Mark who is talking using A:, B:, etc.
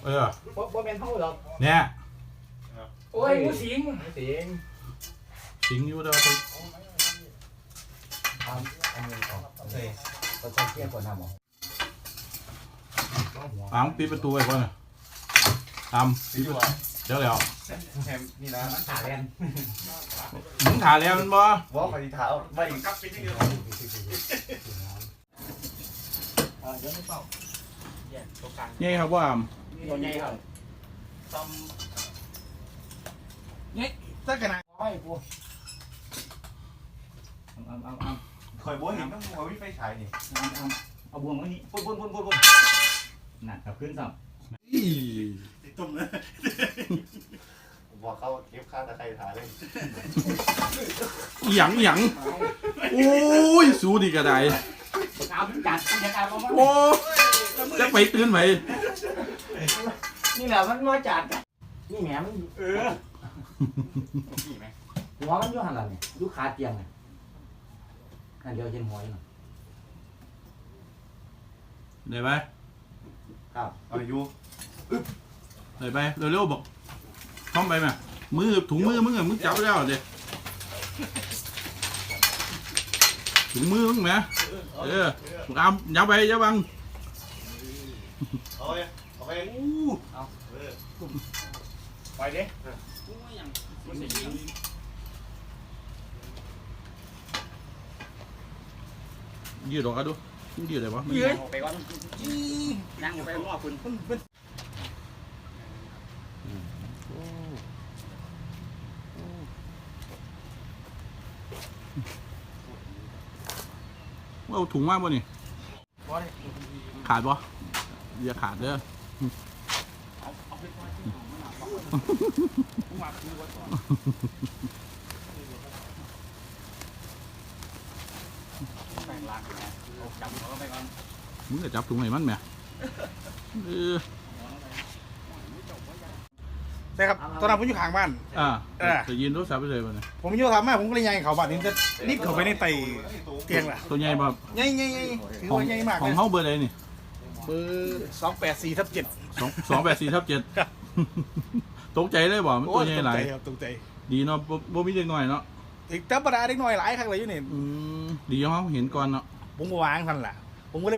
A: บ่เป็นเท่าหรอก
B: เนี่ย
A: โอ้ยงูสิง
B: สิงอยู่เด้อไป
A: อันนี้ออกก็ต้องเที่ยงก่อนทำหรอ
B: ปิดประตูไว้ก่อนนะปิดเดี๋ยว
A: นี่นะมันขาแรง
B: มึงถ่าแล้วมันบ่
A: ว่าปฏิเท้าไม่กับปิดที่เดียวเดี๋ยวไม่เป่าแย่ตัวกลาง
B: นี่ครับว่า
A: ตัวใหญ่ครับต้ม
C: นี่ตั้งกันนะ
A: โอ้ยปู
C: คอยบัวเห็นต้องบัววิไฟฉายนี่
A: เอาบวงไว้นี่ปุ่นหนักกับขึ้นซ้ำ
C: ติดตุ่มเลยบอกเขาเก็บค่าตะไคร้ถ่ายเลย
B: หยังโอ้ยสู้ดีกระได
A: เอาจัดยังเอามา
B: โอ้จะไปตื่นไหม
A: นี่แหละมันมาจัดนี่แหมมันหัวมันอยู่หันหลังเนี่ยอยู่ขาเตียงเนี่ยนั่นเดียวเห็นหัวอยู่น่ะ
B: ได้ไหม
A: ครับ
C: เอาอยู่
B: ได้ไปเร็วๆบอกท้องไปไหมมือถุงมือมึงจับแล้วเด็กถุงมือมึงไหมยับไปยับบัง
C: เอาไปไปดิ
B: ยืดออกกันดูยืดเลยวะ
A: ยืดไปก่อนนั่งไปง้อคุณ
B: เอาถุงมากป่ะนี่ขาดป่ะอย่าขาดเด้อมึงจะจับถุงไหนมันไหม
C: ใช่ครับตอนนั้นผมอยู่ข้างบ้าน
B: จะยืนรถสับไปเลยป่ะเนี่ย
C: ผมอยู่ทำแม่ผมก็เลยยังเขาบ้านนี้จะรีบเข้าไปในไตเตียงล่ะ
B: ตัวใหญ่แบบ
C: ใหญ่ถือว่าใหญ่มาก
B: ข
C: เล
B: อง
C: ย
B: เขาเบอร์อะไรนี่
C: เบอร์284/7
B: 284/7ตกใจเลยบ่มันตัวใหญ่หลาย
C: ตกใจ
B: ดีเนาะบ่มีเด็กหน่อยเนาะ
C: อีกธรรมดาเด็กน้อยหลายครั้งเลยอยู่นี่
B: ดีเขาเห็นก่อนเนาะ
C: ผมก็วางทันล่ะผมก็เลย